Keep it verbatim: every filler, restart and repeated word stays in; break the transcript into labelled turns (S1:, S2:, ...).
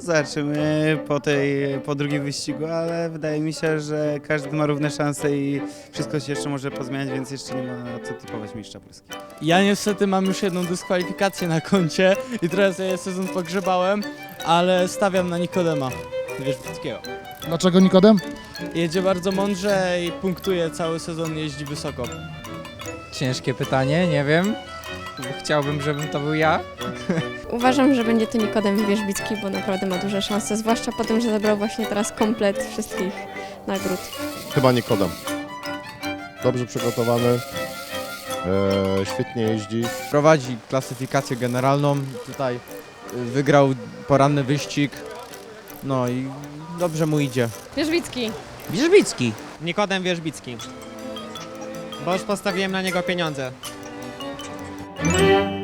S1: zobaczymy po, tej, po drugim wyścigu, ale wydaje mi się, że każdy ma równe szanse i wszystko się jeszcze może pozmieniać, więc jeszcze nie ma co typować mistrza Polski.
S2: Ja niestety mam już jedną dyskwalifikację na koncie i teraz ja sezon pogrzebałem, ale stawiam na Nikodema Wierzbickiego.
S3: Dlaczego Nikodem?
S2: Jedzie bardzo mądrze i punktuje cały sezon, jeździ wysoko.
S4: Ciężkie pytanie, nie wiem. Chciałbym, żebym to był ja.
S5: Uważam, że będzie to Nikodem Wierzbicki, bo naprawdę ma duże szanse, zwłaszcza po tym, że zabrał właśnie teraz komplet wszystkich nagród.
S6: Chyba Nikodem. Dobrze przygotowany, e, świetnie jeździ.
S7: Prowadzi klasyfikację generalną, tutaj y, wygrał poranny wyścig, no i dobrze mu idzie.
S8: Wierzbicki.
S4: Wierzbicki.
S9: Nikodem Wierzbicki, bo już postawiłem na niego pieniądze.